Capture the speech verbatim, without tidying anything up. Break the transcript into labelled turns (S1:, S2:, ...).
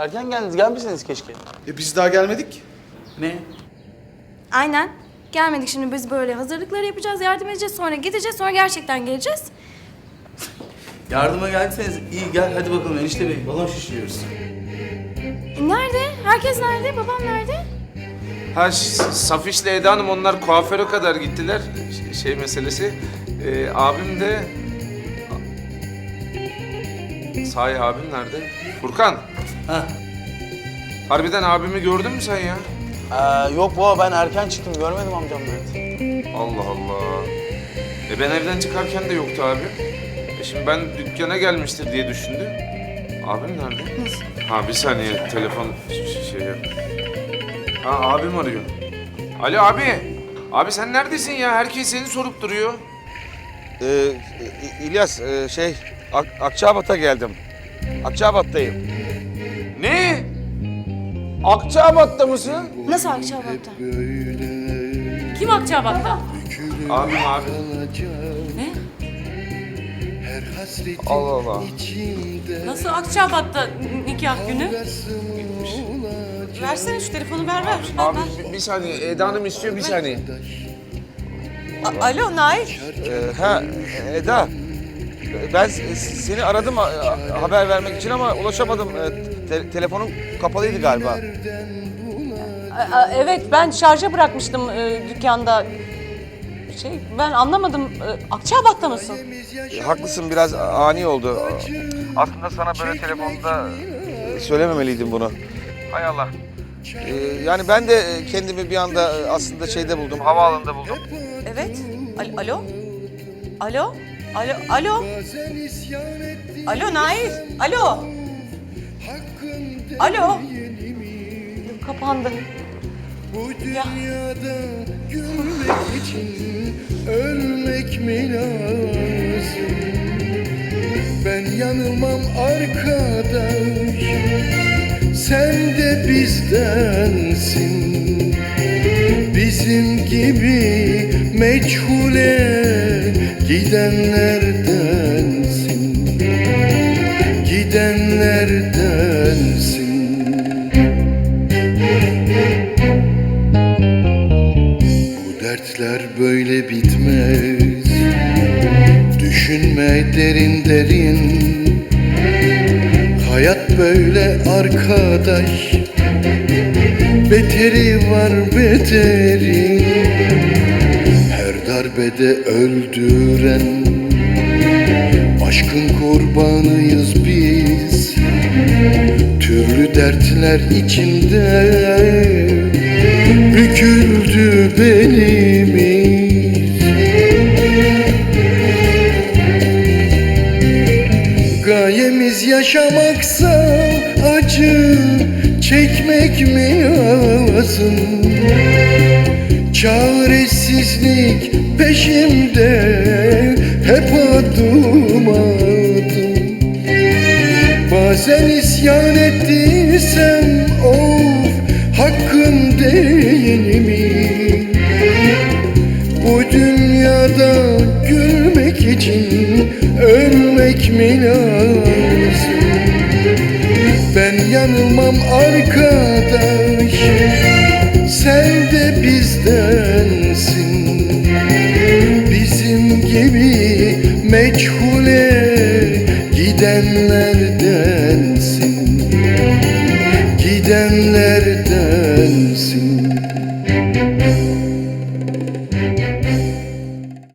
S1: Erken geldiniz, gelmişsiniz keşke.
S2: E biz daha gelmedik.
S1: Ne?
S3: Aynen. Gelmedik, şimdi biz böyle hazırlıkları yapacağız, yardım edeceğiz, sonra gideceğiz, sonra gerçekten geleceğiz.
S1: Yardıma geldiyseniz iyi gel hadi bakalım enişte bey balon şişiriyoruz.
S3: E, nerede? Herkes nerede? Babam nerede?
S4: Ha Ş- Safiş'le Eda Hanım onlar kuaföre kadar gittiler. Ş- Şey meselesi. Ee, abim de... Sahi abim nerede? Furkan.
S1: Ha.
S4: Harbiden abimi gördün mü sen ya?
S1: Ee, yok baba ben erken çıktım görmedim amcam nerede.
S4: Allah Allah. E ben evden çıkarken de yoktu abi. E şimdi ben dükkana gelmiştir diye düşündüm. Abim nerede?
S3: Nasıl?
S4: Ha bir saniye telefon ş- şey yap. Ha abim arıyor. Alo abi. Abi sen neredesin ya? Herkes seni sorup duruyor.
S5: Ee, İlyas, e, şey, Ak Akçabat'a geldim. Akçabat'tayım.
S4: Ne? Akçabat'ta mısın?
S3: Nasıl Akçabat'ta?
S6: Kim Akçabat'ta?
S4: Abim abi.
S6: Ne?
S4: Allah Allah.
S6: Nasıl Akçabat'ta nikah günü? Versene şu telefonu ver ver.
S4: Abi bir, bir saniye. Eda Hanım istiyor bir saniye.
S6: A- Alo Nail.
S5: Ee, ha, Eda, ben s- seni aradım a- a- haber vermek için ama ulaşamadım. Ee, te- telefonum kapalıydı galiba.
S6: A- a- evet ben şarja bırakmıştım e, dükkanda. Şey ben anlamadım. E, Akçabat'ta mısın?
S5: Ee, haklısın, biraz ani oldu. Aslında sana böyle telefonda e, söylememeliydim bunu. Hay Allah. Ee, yani ben de e, kendimi bir anda e, aslında şeyde buldum, havaalanında buldum.
S6: Evet. Al- Alo. Alo. Alo. Alo. Alo Nail. Alo. Alo. Kapandı. Ya.
S7: Gülmek için ölmek mi lazım? Ben yanılmam arkadaş, sen de bizdensin. Bizim gibi meçhule gidenlerdensin. Gidenlerdensin. Dertler böyle bitmez. Düşünme derin derin. Hayat böyle arkadaş. Beteri var beteri. Her darbede öldüren. Aşkın kurbanıyız biz. Türlü dertler içinde. Büküldü belimiz. Gayemiz yaşamaksa acı çekmek mi lazım? Çaresizlik peşimde hep adım adım. Bazen isyan ettiysem of hakkım değil mi? Bu dünyada gülmek için ölmek mi lazım? Ben yanılmam arkadaş, sen de bizdensin. Bizim gibi meçhule gidenlerdensin. Gidenlerdensin.